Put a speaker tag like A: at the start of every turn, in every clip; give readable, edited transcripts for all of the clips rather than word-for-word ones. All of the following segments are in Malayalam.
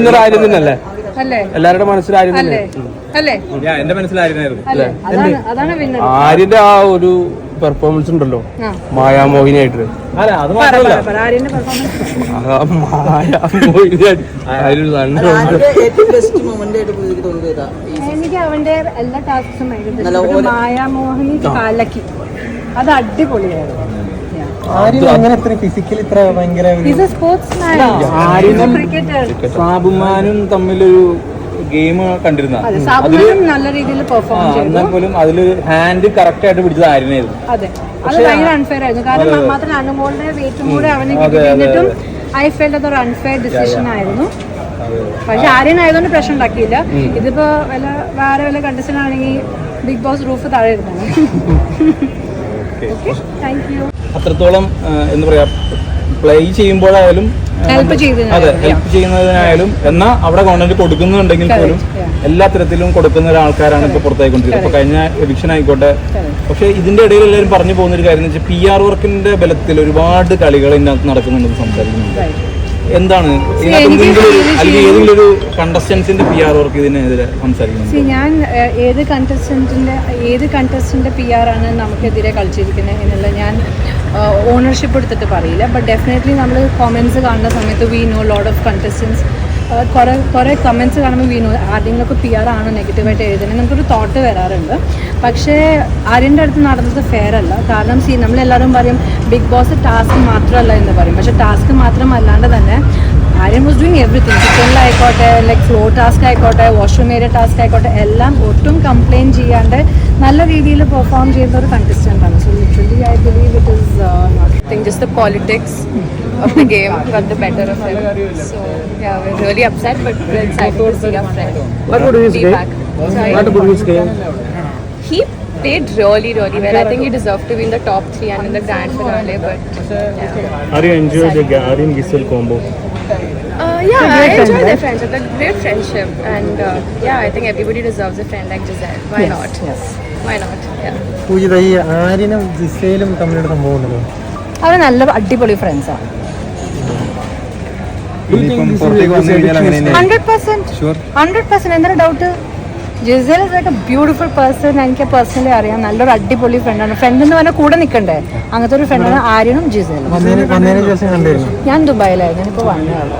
A: വിന്നർ ആര്യം തന്നെയല്ലേ? എല്ലാവരുടെ മനസ്സിൽ ആര്യം തന്നെ
B: എന്റെ മനസ്സിലായിരുന്നു.
A: ആര്യന്റെ ആ ഒരു പെർഫോമൻസ് ഉണ്ടല്ലോ മായാമോഹിനിയായിട്ട്,
C: എനിക്ക് അവന്റെ എല്ലാ ടാസ്കും മായാമോഹിനി കാലക്കി അത് അടിപൊളിയായിരുന്നു.
B: സാബുമാനും തമ്മിലൊരു ഗെയിം കണ്ടിരുന്ന
C: നല്ല രീതിയിൽ പെർഫോം
B: എന്നാൽ പോലും അതിലൊരു ഹാൻഡ് കറക്റ്റ് ആയിട്ട് പിടിച്ചത് ആര്യനായിരുന്നു.
C: അതെ, അത് ഭയങ്കര അൺഫെയർ ആയിരുന്നു. കാരണം മാത്രമല്ല അനുമോളുടെ വെയിറ്റും കൂടെ അവന് കിട്ടിയിട്ടും ഐ ഫെൽറ്റ് അതൊരു അൺഫെയർ ഡിസിഷൻ ആയിരുന്നു. പക്ഷെ ആര്യനായതുകൊണ്ട് പ്രശ്നം ഉണ്ടാക്കിയില്ല. ഇതിപ്പോ വേറെ വല്ല കണ്ടീഷൻ ആണെങ്കിൽ ബിഗ് ബോസ് റൂഫ് താഴെ ഇരുന്നാണ്.
B: അത്രത്തോളം എന്താ പറയാ, പ്ലേ ചെയ്യുമ്പോഴായാലും
C: ഹെൽപ്പ്
B: ചെയ്യുന്നതിനായാലും എന്നാൽ അവിടെ കോണ്ടന്റ് കൊടുക്കുന്നുണ്ടെങ്കിൽ പോലും എല്ലാ തരത്തിലും കൊടുക്കുന്ന ഒരാൾക്കാരാണ് ഇപ്പൊ പുറത്തായിക്കൊണ്ടിരിക്കുന്നത്. ഇപ്പൊ കഴിഞ്ഞ എവിക്ഷൻ ആയിക്കോട്ടെ. പക്ഷെ ഇതിന്റെ ഇടയിൽ എല്ലാവരും പറഞ്ഞു പോകുന്ന ഒരു കാര്യം എന്ന് വെച്ചാൽ PR വർക്കിന്റെ ബലത്തിൽ ഒരുപാട് കളികൾ ഇതിനകത്ത് നടക്കുന്നുണ്ടെന്ന് സംസാരിക്കുന്നുണ്ട്. എന്താണ് അല്ലെങ്കിൽ ഏതെങ്കിലും ഒരു കണ്ടസ്റ്റൻസിന്റെ PR വർക്ക് ഇതിനെതിരെ സംസാരിക്കുന്നത്?
C: ഞാൻ ഏത് കണ്ടസ്റ്റന്റിന്റെ PR ആണ് നമുക്കെതിരെ കളിച്ചിരിക്കുന്നത് എന്നുള്ള ഞാൻ ഓണർഷിപ്പ് എടുത്തിട്ട് പറയില്ല. ബട്ട് ഡെഫിനറ്റ്ലി നമ്മൾ കോമെന്റ്സ് കാണുന്ന സമയത്ത് we know lot of contestants. കുറേ കമൻറ്റ്സ് കാണുമ്പോൾ വി നോ ആരെങ്കിലുമൊക്കെ PR ആണ് നെഗറ്റീവായിട്ട് എഴുതുന്നത് നമുക്കൊരു തോട്ട് വരാറുണ്ട്. പക്ഷേ ആര്യൻ്റെ അടുത്ത് നടന്നത് ഫെയർ അല്ല. കാരണം നമ്മളെല്ലാവരും പറയും ബിഗ് ബോസ് ടാസ്ക് മാത്രമല്ല എന്ന് പറയും. പക്ഷേ ടാസ്ക് മാത്രമല്ലാണ്ട് തന്നെ ആര്യൻ വാസ് ഡൂയിങ് എവറിത്തിങ്. കിച്ചണിലായിക്കോട്ടെ, ലൈക്ക് ഫ്ലോർ ടാസ്ക് ആയിക്കോട്ടെ, വാഷ്റൂം ഏരിയ ടാസ്ക് ആയിക്കോട്ടെ, എല്ലാം ഒട്ടും കംപ്ലയിൻറ്റ് ചെയ്യാണ്ട് നല്ല രീതിയിൽ പെർഫോം ചെയ്യുന്ന ഒരു കണ്ടസ്റ്റൻ്റ് ആണ്. So literally I believe it is not thing just the politics of the game got the better of them. So yeah, we're really upset, but we're excited to see our friend.
A: What about his game? What about his game?
C: He played really well. I think he deserved to be in the top 3 and in the grand finale. But yeah.
A: Are you enjoying the Aryan Giselle combo?
C: Yeah, I enjoy their friendship. They're great friendship, and yeah, I think everybody deserves a friend like Giselle. Why not? Yes. Why not? Yeah.
D: Poojitha, ഈ ആര്യനും ജിസേലും തമ്മിലൊരു സംഭവം ഉണ്ടല്ലോ,
C: അവർ നല്ല അടിപൊളി ഫ്രണ്ട്സാണ്. 100% എന്താണ് doubt? Gisele is like a beautiful person. എനിക്ക് പേഴ്സണലി അറിയാം. നല്ലൊരു അടിപൊളി ഫ്രണ്ടാണ്. ഫ്രണ്ട് എന്ന് പറഞ്ഞാൽ കൂടെ നിൽക്കണ്ടേ, അങ്ങനത്തെ ഒരു ഫ്രണ്ടാണ് ആര്യനും ജിസേലും. ഞാൻ ദുബായിലായിരുന്നു, ഞാനിപ്പോൾ വന്നതാണ്.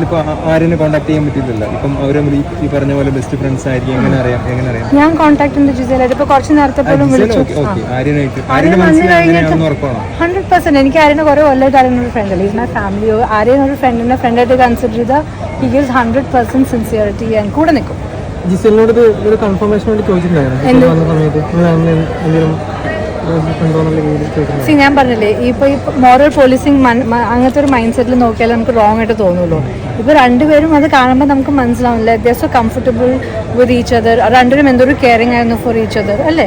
C: ഞാൻ കോൺടാക്ട് ഉണ്ട് ജിസേലായിട്ട്. ഇപ്പൊ കുറച്ച് നേരത്തെ പോലും വിളിച്ചു. 100% എനിക്ക് ആര്യനെ കുറെ കൊല്ലമായിട്ട് ആര്യനൊരു ഫ്രണ്ട് അല്ല. ഇതിന്റെ ഫാമിലി ആര്യനൊരു ഫ്രണ്ടിനെ ഫ്രണ്ടായിട്ട് കൺസിഡർ ചെയ്താൽ ഹി ഗിവ്സ് 100% സിൻസിയറിറ്റി ആൻഡ് കൂടെ നിൽക്കും.
D: ജിസേലിനോട് ഒരു കൺഫർമേഷൻ വേണ്ടി ചോദിച്ചിട്ടുണ്ടായിരുന്നു.
C: ഞാൻ പറഞ്ഞില്ലേ, ഇപ്പൊ ഈ മോറൽ പോലീസിങ് അങ്ങനത്തെ ഒരു മൈൻഡ് സെറ്റിൽ നോക്കിയാൽ നമുക്ക് റോങ് ആയിട്ട് തോന്നുള്ളൂ. ഇപ്പൊ രണ്ടുപേരും അത് കാണുമ്പോൾ നമുക്ക് മനസ്സിലാവില്ല. They are so comfortable with each other. രണ്ടുപേരും എന്തൊരു കെയറിംഗ് ആയിരുന്നു ഫോർ ഈച്ച് അതർ അല്ലേ.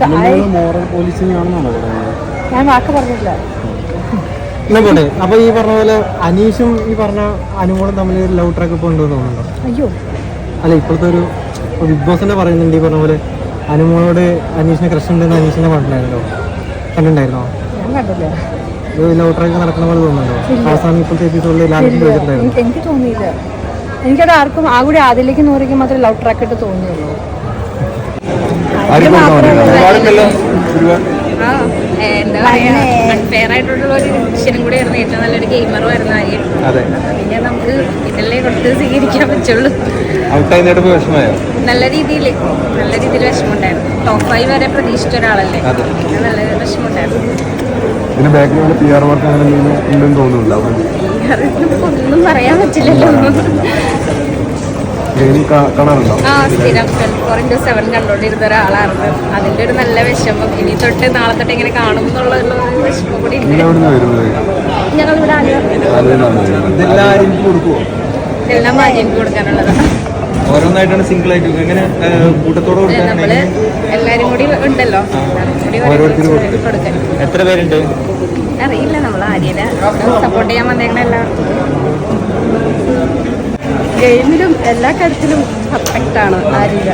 C: ഞാൻ വാക്ക് പറഞ്ഞില്ല.
D: അപ്പൊ ഈ പറഞ്ഞ പോലെ അനീഷും ഈ പറഞ്ഞ അനുമോളും തമ്മിൽ ലവ് ട്രാക്ക് ഇപ്പൊ ഉണ്ടെന്ന് തോന്നുന്നുണ്ടോ?
C: അയ്യോ
D: അല്ല, ഇപ്പോഴത്തെ ഒരു ബിഗ് ബോസ് പറയുന്നുണ്ട് ഈ പറഞ്ഞ പോലെ അനുമോളോട് അനീഷിനെ ക്രഷ് ഉണ്ടെന്ന് അനീഷിനെ കണ്ടിട്ടുണ്ടായിരുന്നോ?
C: ഞാൻ കണ്ടില്ല.
D: ലവ് ട്രാക്ക് നടക്കുന്ന പോലെ തോന്നുന്നുണ്ടോ? അവസാനം ഇപ്പോഴത്തെ എപ്പിസോഡിൽ
C: എനിക്ക് തോന്നിയില്ല. എനിക്കത് ആർക്കും ആ കൂടി ആദ്യത്തിലേക്ക് നൂറിക്ക് മാത്രമേ ലവ് ട്രാക്ക് ഇട്ട് തോന്നിയുള്ളൂ. എന്താ പറയാ, അൺഫെയർ ആയിട്ടുള്ള ഒരു ഡിസിഷനും കൂടെ ആയിരുന്നു. ഏറ്റവും നല്ലൊരു ഗെയിമറും ആയിരുന്നു ആര്യം. പിന്നെ നമുക്ക് ഇതല്ലേ കൊടുത്ത് സ്വീകരിക്കാൻ പറ്റുള്ളൂ. നല്ല രീതിയിൽ വിഷമമുണ്ടായിരുന്നു. ടോപ്പ് 5 വരെ പ്രതീക്ഷിച്ച ഒരാളല്ലേ, നല്ല വിഷമമുണ്ടായിരുന്നു. ഒന്നും പറയാൻ പറ്റില്ലല്ലോ. സ്ഥിരം 24/7 കണ്ടോണ്ടിരുന്ന ഒരാളായിരുന്നു. അതിന്റെ ഒരു നല്ല വിഷമം. ഇനി തൊട്ട് നാളെ തൊട്ട് എങ്ങനെ കാണും എന്നുള്ള വിഷമം കൂടി. ഞങ്ങൾ ഇവിടെ എല്ലാം ആര്യന് കൊടുക്കാനുള്ളതാണ്.
B: ഓരോന്നായിട്ടാണ് സിംഗിൾ ആയിട്ട് എങ്ങനെ കൂട്ടത്തോടെ
C: നമ്മള് എല്ലാരും കൂടി ഉണ്ടല്ലോ, കൊടുക്കാൻ.
B: എത്ര പേരുണ്ട്
C: അറിയില്ല. നമ്മൾ ആര്യനെ സപ്പോർട്ട് ചെയ്യാൻ വന്നേക്കണ എല്ലാവർക്കും. ഗെയിമിലും എല്ലാ കാര്യത്തിലും പെർഫെക്റ്റ് ആണ് ആര്യ.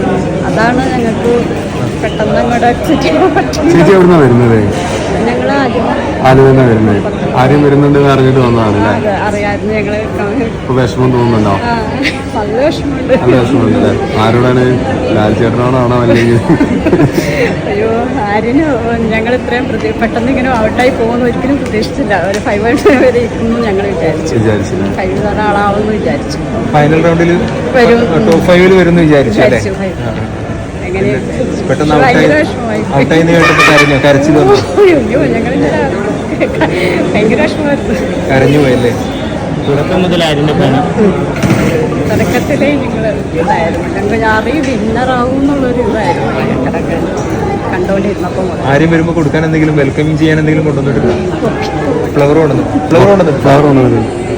C: അതാണ് ഞങ്ങൾക്ക് പെട്ടെന്ന് അങ്ങോട്ട് അക്സെപ്റ്റ് ചെയ്യാൻ പറ്റും. ഞങ്ങൾ
E: ആദ്യം തന്നെ വരുന്നത് ആദ്യം വരുന്നുണ്ട് എന്ന് അറിഞ്ഞിട്ട് വന്നതാണല്ലേ?
C: അറിയാമായിരുന്നു ഞങ്ങൾ.
E: ഇപ്പൊ വിഷമം തോന്നുന്നുണ്ടോ?
C: നല്ല വിഷമമുണ്ട്.
E: നല്ല വിഷമമുണ്ടല്ലേ? ആരോടാണ്? ലാൽ ചേട്ടനോടാണോ അല്ലെങ്കിൽ?
C: അയ്യോ, ആര്യന് ഞങ്ങൾ ഇത്രയും പെട്ടെന്ന് ഇങ്ങനെ ഔട്ടായി പോകുമെന്ന് ഒരിക്കലും പ്രതീക്ഷിച്ചില്ല. ഒരു 5 വരെ ഇരിക്കുന്നു ഞങ്ങൾ
E: വിചാരിച്ചില്ല.
C: 5 ആളാവുമെന്ന് വിചാരിച്ചു.
B: ഫൈനൽ റൗണ്ടിൽ
C: വരും
B: ടോപ്പ് 5 വരുമെന്ന് വിചാരിച്ചു അല്ലേ?
C: എങ്ങനെ
B: പെട്ടെന്ന്
C: ഭയങ്കര വിഷമമായി.
B: ഔട്ടായി കേട്ടപ്പോൾ കരച്ചിൽ വന്നു.
C: അയ്യോ, ഞങ്ങളിങ്ങനെ ഭയങ്കര വിഷമമായിരുന്നു.
B: കരഞ്ഞു പോയല്ലേ?
A: തുടക്കം മുതൽ ആര്യന്റെ ഫാനാ.
C: തുടക്കത്തിലേ ഞങ്ങൾ ഇതായിരുന്നു, ഞങ്ങൾക്ക് അറിയും വിന്നറാവും എന്നുള്ളൊരു ഇതായിരുന്നു ഞങ്ങളൊക്കെ കണ്ടോണ്ടിരുന്നപ്പോൾ മുതൽ.
B: ആരും വരുമ്പോൾ കൊടുക്കാൻ എന്തെങ്കിലും വെൽക്കമിങ് ചെയ്യാൻ എന്തെങ്കിലും കൊണ്ടുവന്നിട്ടില്ല? ഫ്ലവർ കൊണ്ടുവന്നു.
E: ഫ്ലവർ കൊണ്ടുവന്നു.